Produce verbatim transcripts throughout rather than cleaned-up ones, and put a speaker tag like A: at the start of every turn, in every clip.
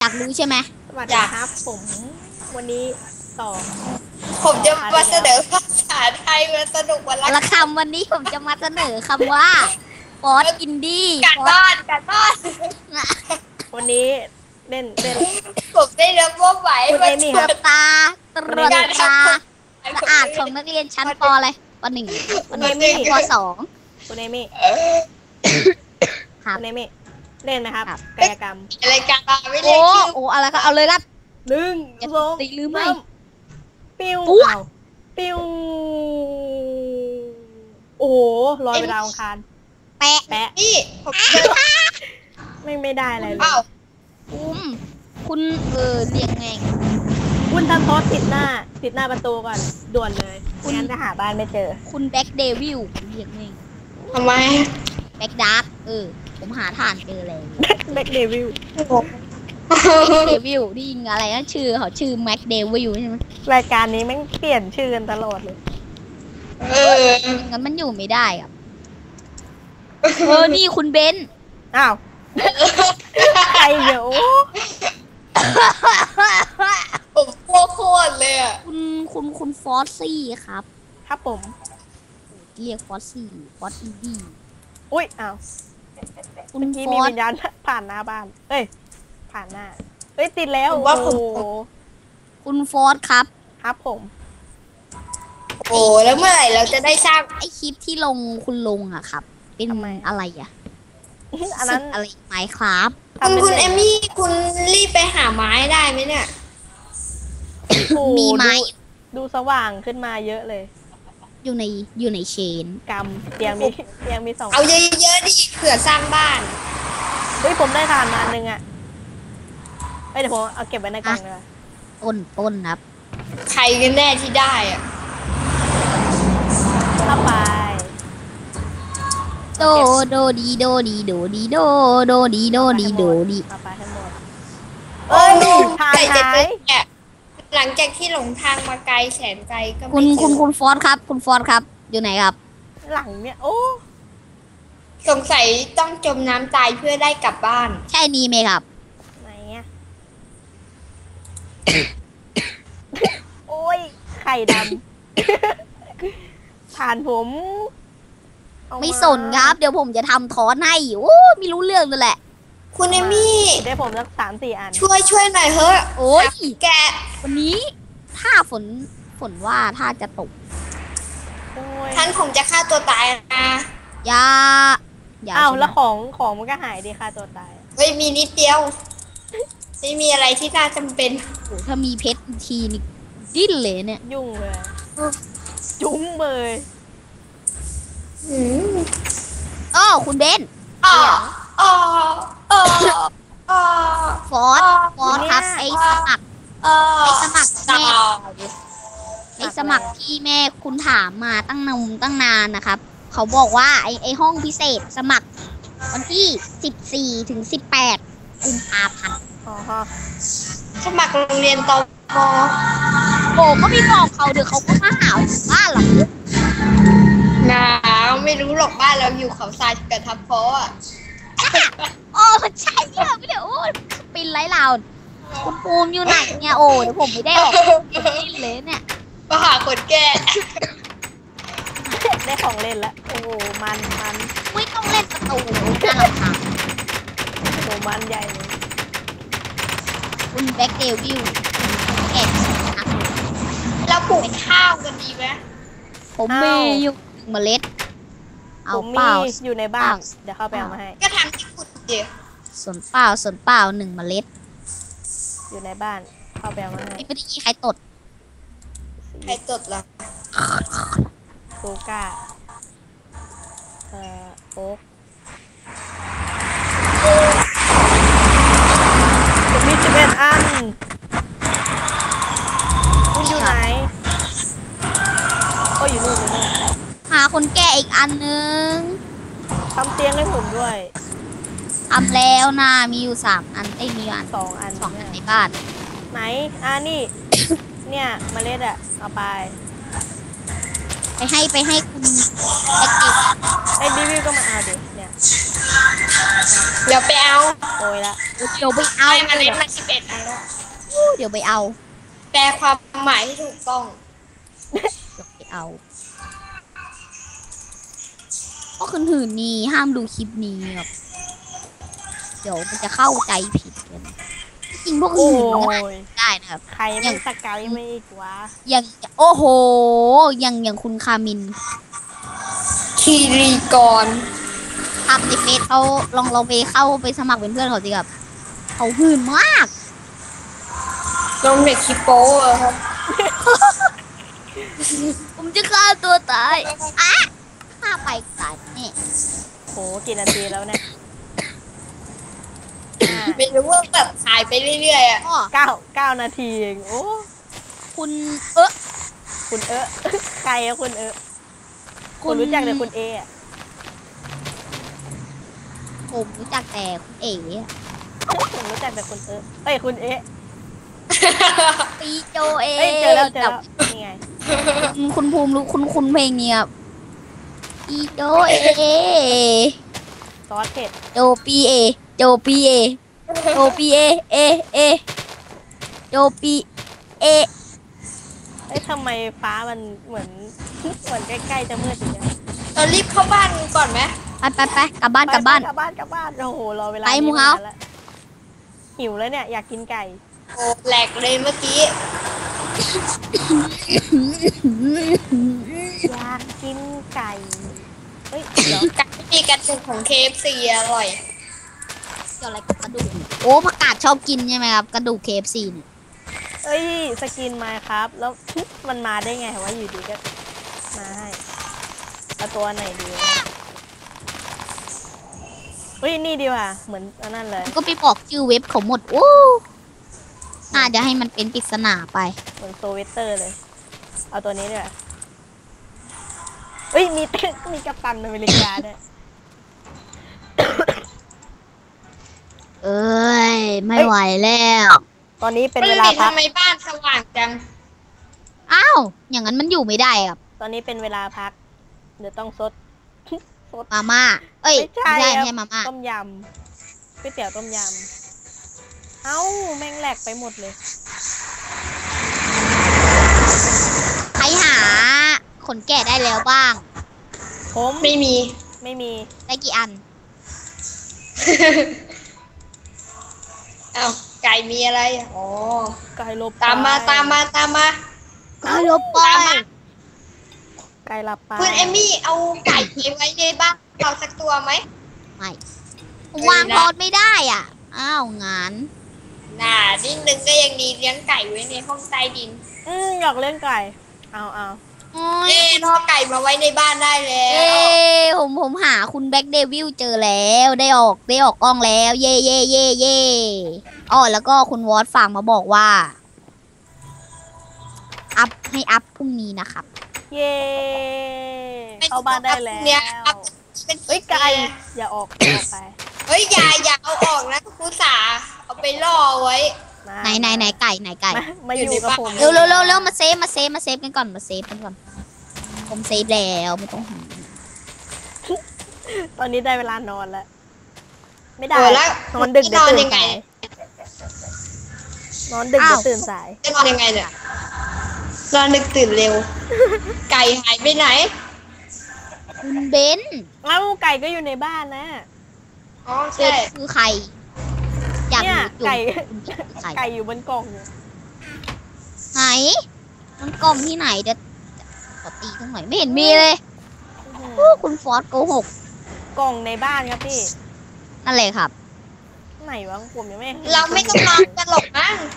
A: ากรู้ใช่ไหม
B: สวัสดีครับผมวันนี้ต่อ
C: ผมจะมาเสนอภาษาไทยมาสนุกวัน
A: ละคำวันนี้ผมจะมาเสนอคำว่าฟอสอินดี้
C: การบ้านการบ้าน
B: วันนี้เล่นเล่น
C: ผมได้รับว่าไหว
B: คุณเอมี่ครับ
A: ตาตรวจตาสะอาดของนักเรียนชั้นปอะไรปหนึ่งปหนึ่งปสอง
B: คุณเอมี่
A: ครับ
B: คุณเอมี่เล่นไหมครับกายกรรม
C: อะไรการบ้านไม่เล่
A: โอ้
C: นชื่อ
A: โอ้อะไรครับเอาเลยครับ
B: หนึ่งสอง
A: ตีหรือไม่
B: ปิ้ว
A: อุ๊ย
B: อ้าวปิ้วโอ้โหลอยไปดาวอังคาร
A: แปะ
B: แปะ
C: นี่ผมเจอ
B: ไม่ไม่ได้อะไรเลย
C: เอ้า
A: อุ้มคุณเออเรียกไง
B: คุณทำโทษติดหน้าติดหน้าประตูก่อนด่วนเลยไม่งั้นจะหาบ้านไม่เจอ
A: คุณแบ็กเดวิลเรียกไง
C: ทำไม
A: แบ็กดาร์กเออผมหาฐานเจอแล้ว
B: แบ็คเดวิล
A: เดวิลนี่ยิงอะไรนะชื่อเขาชื่อแม็กเดวิลใช่ไหม
B: รายการนี้แม่งเปลี่ยนชื่อกันตลอดเลย
C: เออ
A: งั้นมันอยู่ไม่ได้ครับเออนี่คุณเบน
B: อ้าวใครเดี๋ยว
C: ผมกลัวโคตรเลยอ่ะ
A: คุณคุณคุณฟอสซี่ครับ
B: ครับผม
A: เรียกฟอสซี่ฟอสอีดี
B: อุ้ยอ้าว
A: คุณ
B: ที่
A: ฟ
B: มี
A: อส
B: วิญญาณผ่านหน้าบ้านเอ้ยผ่านหน้าเอ้ยติดแล้ว
C: ผม
B: โอ้
C: ว่าผม
B: โห
A: คุณฟอสครับ
B: ครับผม
C: โอ้แล้วเมื่อไหร่เราจะได้สร้าง
A: ไอคลิปที่ลงคุณลงอะครับ เป็นอะไรอะ
B: อันนั้น
A: สึกอะไรไหมครับ
C: คุณ
B: ทำป็น
C: คุณ
B: ล่น
C: เอมี่คุณรีบไปหาไม้ได้ไหมเนี่ย
B: โอ้โห
A: มีไหม
B: ดูดูสว่างขึ้นมาเยอะเลย
A: อยู่ในอยู่ในเชน
B: กรรมเตียงมีเตียงมีสอง
C: เอาเยอะๆดิเผื่อสร้างบ้าน
B: เฮ้ยผมได้ทานมาอันนึงอ่ะเอ้ยเดี๋ยวผมเอาเก็บไว้ในกล่องเลย
A: ต้นต้นครับ
C: ใครกันแน่ที่ได้อ่ะ
B: เข้าไป
A: โดโดดีโดดีโดดีโดโดดีโดดีโดดี
B: เข้าไปให้หมด
C: โอ้
B: เอ้ยทาน
C: ไก่จะ
B: หา
C: เจ
B: ย
C: อแกะหลังจากที่หลงทางมาไกลแสนไกลก็ไม่
A: คุณ
C: เจอ
A: คุณคุณฟอสครับ คุณฟอสครับ อยู่ไหนครับ
B: หลังเนี่ยโอ้
C: สงสัยต้องจมน้ำตายเพื่อได้กลับบ้าน
A: ใช่นี่ไหมครับ
B: ไหนอ่ะ โอ้ยไข่ดำ ผ่านผมเอาา
A: ไม่สนครับ เดี๋ยวผมจะทำทอนให้โอ้ไม่รู้เรื่องเลยแหละ
C: คุณเอมี่
B: ได้ผมสักสามสี่อัน
C: ช่วยช่วยหน่อยเฮ้ย
A: โอ้ย
C: แกะ
A: วันนี้ถ้าฝนฝนว่าถ้าจะตก
B: โอ้ย
C: ท่านคงจะฆ่าตัวตายนะ
A: อย่าอย่า
B: อ้าว
A: ใช่ไหม
B: แล้วของของมันก็หายดีค่ะตัวตาย
C: เฮ้ยมีนิดเดียวไม่มีอะไรที่น่าจำเป็น
A: โอ้ถ้ามีเพชรอีกทีนี่ดิ้นเลยเนี่ย
B: ยุ่งเลย จุ้งเลย
C: อืม
A: อ้อคุณเบน
C: อ๋ออ๋ออ๋ออ๋อ
A: ฟอสฟอสครับไอสมัคร
C: อ๋อ
A: ไอสมัคร
C: ต่
A: แม่
C: อ
A: ไอสมัครที่แม่คุณถามมาตั้งนานตั้งนานนะครับ เขาบอกว่าไอไอห้องพิเศษสมัคร วันที่สิบสี่ถึงสิบแปดกุมภาพันธ์
B: อ๋อฮะ
C: สมัครโรงเรียนตม
A: โอ้ก็ไม่บอกเขาเดี๋ยวเขาก็มาหาถึงบ้านหรอก
C: หนาวไม่รู้หรอกบ้านเราอยู่เขาทรายกับทับเพาะอ่ะ
A: โอ้ใช่เนี่ยไม่เดี๋ยวโอ้ปินไร้ลาวคุณภูมิอยู่ไหนเนี่ยโอ้เดี๋ยวผมไม่ได้ออกดิ้นเลยเนี่ย
C: มาหาคนแก่
B: ได้ของเล่นแล้ว โอ้โหมันมัน
A: ไม่ต้องเล่นประตูน่ารำคาญ
B: โอ้โหมันใหญ่เลย
A: คุณแบ็กเดวิลแอบอัก
C: เราปลูกข้าวกันดีไหม
A: ผมมีอยู่หนึ่งเมล็ด เอา
B: ผม
A: เปล่า
B: มีอยู่ในบ้าน
A: เปล่า
B: เดี๋ยวเข้าไปเอามาให้
C: ก็ทำที่ขุดเดียว
A: ส่วนเปล่าส่วนเปล่าหนึ่งเมล็ด
B: อยู่ในบ้าน เข้าไปเอามาให้
A: ไม่ได้ใครตด
C: ใครตดล่ะ
B: ซูก้า เอ่อโอ๊กผมมีสิบเอ็ดอัน คุณอยู่ไหน โอ้ยอยู่นู่นอยู่นู่น
A: หาคนแก่อีกอันนึง
B: ทำเตียงให้ผมด้วย
A: ทำแล้วนะมีอยู่สามอันไอ้ยมีอยู่อัน
B: สองอัน
A: สองอันใน
B: เนี่ย
A: บ้าน
B: ไหน อ่านี่ เนี่ยเมล็ดอะเอาไป
A: ไปให้ไปให้คุณแบ็กเดวิล
B: ไอ้ดิวิวก็มาเอาดิ เนี่ย
C: เดี๋ยวไปเอา
B: โอยละ
A: เดี๋ยวไปเอา
C: ไอ้เมล็ดมาสิบบเอ็ดอันแล้ว
A: เดี๋ยวไปเอา
C: แปลความหมายที่ถูกต้อง
A: เดี๋ยวไปเอาก็คนอื่นนี่ห้ามดูคลิปนี้ครับเดี๋ยวมันจะเข้าใจผิดกันจริงพวก
B: โอ้
A: อื่นมันก็อ่าน
B: ย
A: ได้นะครับ
B: ใครไม่สเกลไม่อีกวะ
A: อย่างโอ้โหอย่างอย่างคุณคามิน
C: คีรีกร
A: ทำในเฟซเขาลองเราไปเข้าไปสมัครเป็นเพื่อนเขาสิครับเขาหื่นมาก
C: ลงเด็กคิปโป้อะครับ
A: ผมจะฆ่าตัวตายอ่ะฆ่าไปตายนี่
B: โหกี่นาทีแล้วเนี่ยห้า
C: ไม่รู้ว่าแบบถ่ายไปเรื่อยๆอ่ะ
A: ก็
B: เก้าเก้านาทีเองโอ้
A: คุณเออ
B: คุณเอะใครอะคุณเอะ
A: คุ
B: คุณ
A: ณ
B: รู้จักแต่คุณเอะ
A: ผมรู้จักแต่คุณเอ๋
B: ผมรู้จักแต่คุณเอะเอ้ยคุณเอะ
A: ปีโจเอ
B: เอ้ยเจอแล้วเจอแล้วนี่ไง
A: คุณคุณภูมิรู้คุณคุณเพลงนี้ครับปีโจเอ
B: ซอสเผ็ด
A: โจปีเอโจปีเอโจปีเอเอเอโจปีเอ
B: เอ้ยทำไมฟ้ามันเหมือนเหมือนใกล้ๆจะมืดอย่างเงี้ย
C: เรารีบเข้าบ้านก่อนไหม
A: ไปไปไปกลับบ้านกลับบ้าน
B: กลับบ้านกลับบ้านโอ้โหรอเวลา
A: ไป
B: นี้
A: หมู่เฮา
B: นนแล้วหิวแล้วเนี่ยอยากกินไก่
C: โอ้แหลกเลยเมื่อกี้
B: อยากกินไก่เฮ้ยเดี๋ยว
C: ไก่ที่มีกระดูกของ เค เอฟ ซี อร่อย
A: เกี่ยวอะไรกับกระดูกโอ้ผักกาดชอบกินใช่ไหมครับกระดูก เค เอฟ ซี เนี่ย
B: เอ้ยสกินมาครับ แล้วมันมาได้ไงวะอยู่ดีก็มาให้เอาตัวไหนดีวะเฮ้ยนี่ดีว่ะเหมือนอันนั้นเลย
A: ก็ไปบอกชื่อเว็บเขาหมดโอ้น่าจะให้มันเป็นปริศนาไป
B: เหมือนโซเวเตอร์เลย เอาตัวนี้ดีกว่าเฮ้ยมี มีกัปตันอเมริกาด้วย
A: เอ้ยไม่ไหวแล้ว
B: ตอนนี้เป็น
C: เป็น
B: เว
C: เว
B: ลา
C: ลา
B: พัก
C: ทำไมบ้านสว่างจัง
A: อ้าวอย่างนั้นมันอยู่ไม่ได้ครับ
B: ตอนนี้เป็นเวลาพัก เดี๋ยวต้องซด ซด
A: มาม่าเอ้ย
B: ไม่
A: ไม่
B: ใช่
A: ใช่
B: ครับ
A: ไม่ใช่มาม่า
B: ต้มยำก๋วยเตี๋ยวต้มยำเอ้าแม่งแหลกไปหมดเลย
A: ใครหาขนแกะได้แล้วบ้าง
B: ผม
C: ไม่มี
B: ไม่มี
A: ได้กี่อัน
C: เอ้าไก่มีอะไรอ่ะอ๋อ
B: ไก่ลบ
C: ตามมา
B: ไป
C: ตามมาตามมา
A: ก็ลบไป
C: ตามมา
B: ไก่หลับไป
C: คุณเอมี่เอาไก่ไปไว้ในบ้านเราสักตัวไหม
A: ไม่ผมวางพอดไม่ได้อ่ะ อ้าวงาน
C: น่านิดนึงก็ยังดีเลี้ยงไก่ไว้ในห้องใต้ดิน
B: อืมอยากเล่นไก่ เอาเอา
A: โอ้ย
C: เอ๊ะล่อไก่มาไว้ในบ้านได้แล้
A: เอ้
C: ว
A: ผมผมหาคุณแบ็กเดวิลเจอแล้วได้ออกได้ออกกล้องแล้ว เย่เย่เย่เย่อ๋อแล้วก็คุณวอตฝากมาบอกว่า อัพให้อัพพรุ่งนี้นะครับ
B: เย้เข้าบ้านได้แล้ว
C: เนี่ยครับเป็น
B: เอ้ยไก่อย่าออกอย่าออกไป
C: เฮ้ยอย่าอย่าเอาออกนะครูสาเอาไปล่อไว้
B: มา
A: ไหนไหนไหนไก่ไหนไก่
B: มามาอยู่กับผม
A: เร็วเร็วเร็วเร็วมาเซฟมาเซฟมาเซฟกันก่อนมาเซฟกันก่อน ผมเซฟแล้วไม่ต้องห่วง
B: ตอนนี้ได้เวลานอนแล้ว ไม่ได้
C: เออแล้ว
B: นอนดึก
C: น
B: เดี๋ยว
C: อน
B: ตื่น
C: ยังไง
B: สายนอนดึกเดี๋ยวตื่นสาย
C: จะนอนยังไงเนี่ยนอนดึกตื่นเร็ว ไก่หายไปไหน
A: คุณเบน
B: เอ้าไก่ก็อยู่ในบ้านนะ
C: อ๋อ
A: เบ
C: ใช่
A: นคือใคร อยาก
B: เนี่ย
A: รู้จุด
B: ไก่
A: คุณเบนคือใคร
B: ไก่อยู่บนกล่องอยู่
A: ไหนมันกล่องที่ไหนเดี๋ยวขอตีตรงไหนไม่เห็นมีเลย
B: อื้อ
A: โอ้
B: หือ
A: คุณฟอสโกหก
B: กล่องในบ้านครับพี่
A: นั่นเลยครับ
B: ไหนวะผมยังไม่ห็น
C: เราไม่ต้องนอนกันหรอกมั้ง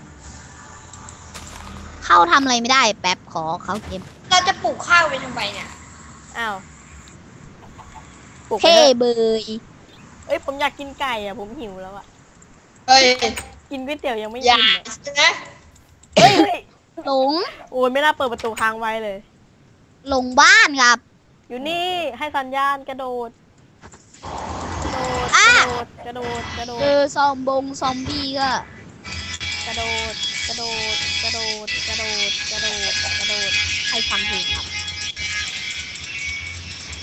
A: เข้าทำอะไรไม่ได้แป๊บขอเข้าเกม
C: เราจะปลูกข้าวไปทำไมเนี่ย
B: อ้าวปลุกไป
A: เท่
B: เถอะ
A: เบย
B: เอ้ยผมอยากกินไก่อ่ะผมหิวแล้วอ่ะ
C: เฮ้ย
B: กินก๋วยเตี๋ยวยังไม่
C: อ
B: กิ
C: ย่าน
B: อ่ะ
C: นะ
B: เฮ้ยเฮ้ย
A: หลง
B: โอ้ยไม่น่าเปิดประตูค้างไว้เลย
A: หลงบ้านครับ
B: อยู่นี่ให้สัญญาณกระโดด กระโดด
A: อ่ะ
B: กระโดด กระโดด
A: เจอซอมบงซอมบี้ก็
B: กระโดด กระโดด กระโดด กระโดด กระโดด กระโดด
A: ให้ฟังเพลงครับ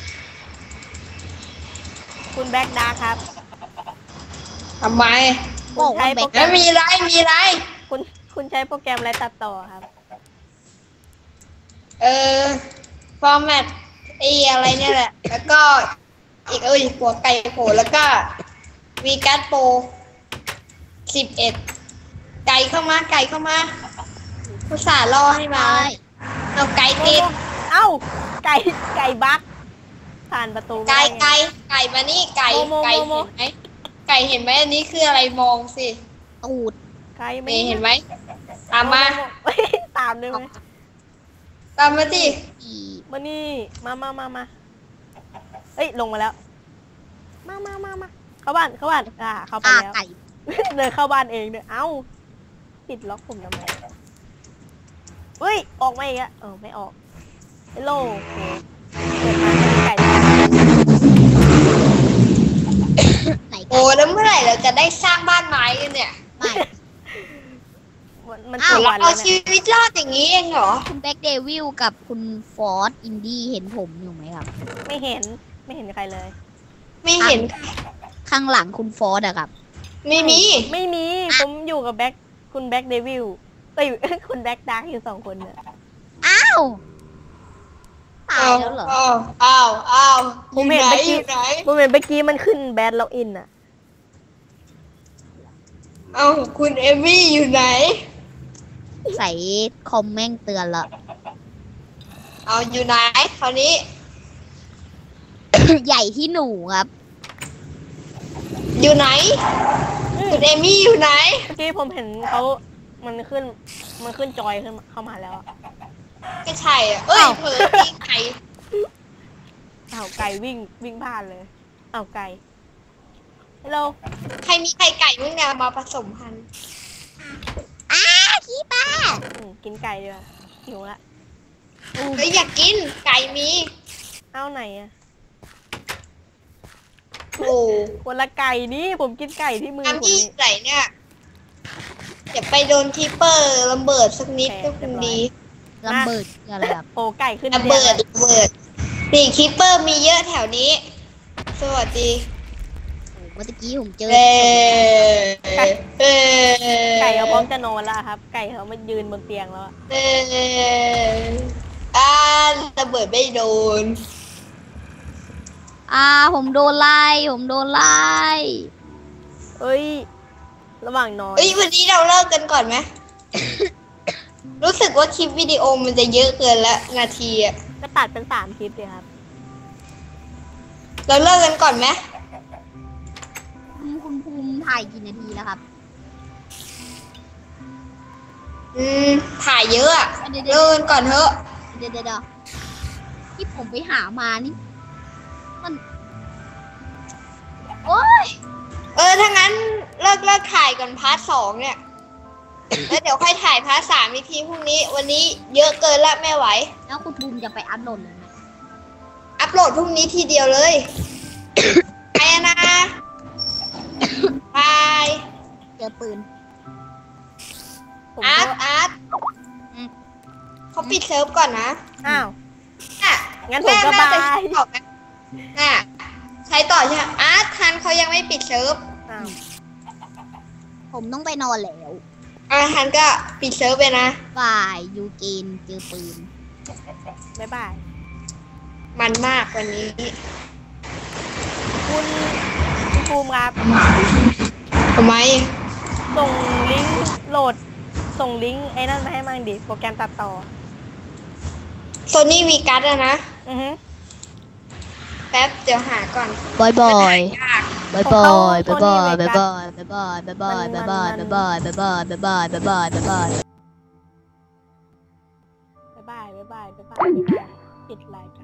B: คุณแบ็กดาร์คครับ
C: ทำไม
A: มบอกว่าแบ็ค
C: แล้วมีไรมีไร
B: คุณคุณใช้โปรแกรมอะไรตัดต่อครับ
C: เออฟอร์แมตไออะไรเนี่ยแหละ แล้วก็อีกเอ้ยหัวไก่โผล่แล้วก็วีการ์ดโปรสิบเอ็ดไก่เข้ามาไก่เข้ามาผู้สาห์ล่อให้มา
A: ใช่
C: เอาไก่ติด
B: เอ้าไก่ไก่บักผ่านประตูม่
C: ไก่
B: ด้ง
C: ไก่ไก่มานี่ไก่
B: โมโม
C: ไก่
B: โมโม
C: เห็นไหมไก่เห็นไหมอันนี้คืออะไรมองสิ
A: ตูด
B: ไก่ไม่
C: นี่เห็นไหมตามมา
B: เฮ้ยตามได้ไหม
C: ตามมาสิ
A: อี
B: มานี่มามามามาเอ้ยลงมาแล้ว มามามามาเข้าบ้านเข้าบ้านอ่าเข้าไป
A: อ่า
B: แล้ว
A: ไก่
B: เดินเข้าบ้านเองเนี่ยเอ้าปิดล็อกผมทำไมเฮ้ยออกมาอีกอะเออไม่ออกฮัลโหลเปิดมาจะมีไก่
A: ไหนไก่
C: โอ้แล้วเมื่อไหร่เราจะได้สร้างบ้านไม้กันเนี่ย
A: ไม่
B: มันมัน
A: อ้าว
B: กี่วัน
C: เอา
B: แล้ว
C: ชี
B: เนี่ย
C: วิตรอดอย่างนี้เองเหรอ
A: คุณแบ็คเดวิลกับคุณฟอร์ดอินดี้เห็นผมอยู่ไหมครับ
B: ไม่เห็นไม่เห็นใครเลย
C: ไม่เห็น
A: ข้างหลังคุณฟอร์ดอะครับ
C: ไม่มี
B: ไม่มีผมอยู่กับแบ็คคุณแบ็คเดวิลเอ้ย คุณแบ็คดาร์กอยู่สองคนเนี่ย
A: อ้าวตายแล้วเหรอ
C: อ้าวอ้าวอ้าวอ
B: ผม
C: ยู่
B: เห็น
C: ไหน
B: เมื่อ
C: อ
B: กี้
C: ยู่ไหน
B: ผมเห็นเมื่อกี้มันขึ้นแบดล็อกอินอะ
C: เอ้าคุณเอมี่อยู่ไหน
A: ใส่คอมแม่งเตือนละ
C: เอาอยู่ไหนคราวนี้
A: ใหญ่ที่หนูครับ
C: อยู่ไหน คุณเอมี่อยู่ไหน
B: เมื่อกี้ผมเห็นเขามันขึ้นมันขึ้นจอยขึ้นมาเข้ามาแล้วอะ
C: ก็ใช่อ่ะเอ้ย
A: อ้าว
C: เผลอตีไก่
B: อ้าวไก่วิ่งวิ่งผ่านเลยอ้าวไก่ฮัลโหล
C: ใครมีไข่ไก่มึงเนี่ยมาผสมพันธุ์
A: อ้าขี้ป้า
B: อืมกินไก่ดีกว่าหิวละ
C: เฮ้ยอยากกินไก่มี
B: เอ้าไหนอะ
C: โอ้
B: คนละไก่นี่ผมกินไก่ที่มือ
C: น้ำ
B: ผม
C: ที่
B: นี่
C: ไหนเนี่ยอย่าไปโดนทิปเปอร์ระเบิดสักนิดก็คงดี
A: ระเบิดคืออะไรครับ
B: โอ้ไก่ขึ้น
C: ระเบิด
B: นี่ย
C: ระเบิดนี่คิปเปอร์มีเยอะแถวนี้ สวัสดี
A: โอ้เมื่อกี้ผมเจอ
C: เอ้เอ้
B: ไก่เขาพร้อมจะนอนแล้วครับ ไก่เขามายืนบนเตียงแล้วอะ
C: เอ้อ่าระเบิดไม่โดน
A: อ่าผมโดนไล่ผมโดนไล่
B: เอ้ยระหว่างนอน
C: เอ้ยวันนี้เราเลิกกันก่อนไหม รู้สึกว่าคลิปวิดีโอมันจะเยอะเกินละนาทีอะ
B: ก็ตัดเป็นสามคลิปเลยครับ
C: เราเลิกกันก่อนไหม
A: คุณคุณภูมิถ่ายกี่นาทีแล้วครับ
C: อืมถ่ายเยอะอะ
A: เดี๋ยว
C: เลิกกันก่อนเถอะ
A: เดี๋ยวเดี๋ยวเดี๋ยวที่ผมไปหามานี่มันโอ้ย
C: เออถ้างั้นเลิกเลิกถ่ายก่อนพาร์ทสองเนี่ย แล้วเดี๋ยวค่อยถ่ายพาร์ทสามอีกทีพรุ่งนี้ วันนี้เยอะเกินละไม่ไหว
A: แล้วคุณภูมิจะไปอัพโหลดเลยไหม
C: อัปโหลดพรุ่งนี้ทีเดียวเลย ไปอะนะบาย
A: เจอปืน
B: ผม
C: อาร์ต
B: ก็
C: อาร์ต
A: อืม
C: เขาปิดเซิร์ฟก่อนนะ
B: อ้าว
C: อ่ะ
B: งั้นผมก็
C: แน่าจะ
B: บาย
C: ใช้ต่อไหมอ่ะใช้ต่อใช่ไหมอาร์ตทันเขายังไม่ปิดเซิร์ฟ
B: อ้าว
A: ผมต้องไปนอนแล้ว
C: อ่ะทันก็ปิดเซิร์ฟไปนะ
A: ฝ่ายยูเกนเจอปืน
B: บ๊ายบาย
C: มันมากวันนี้
B: คุณคุณภูมิครับ
C: ทำไม
B: ส่งลิงก์โหลด ส่งลิงก์ไอ้นั่นมาให้มั่งดิ โปรแกรมตัดต่อ
C: โซนี่วีกัสอะนะ
B: อือฮึ
C: แป๊บเดี๋ยวหาก่อน
A: บอยบอย
C: ยาก
A: บายบายบายบายบายบายบายบายบายบายบายบายบายบายบายบายบายบายบาย
B: บ๊ายบายบ๊ายบายบ๊ายบายบ๊ายบายปิดรายการ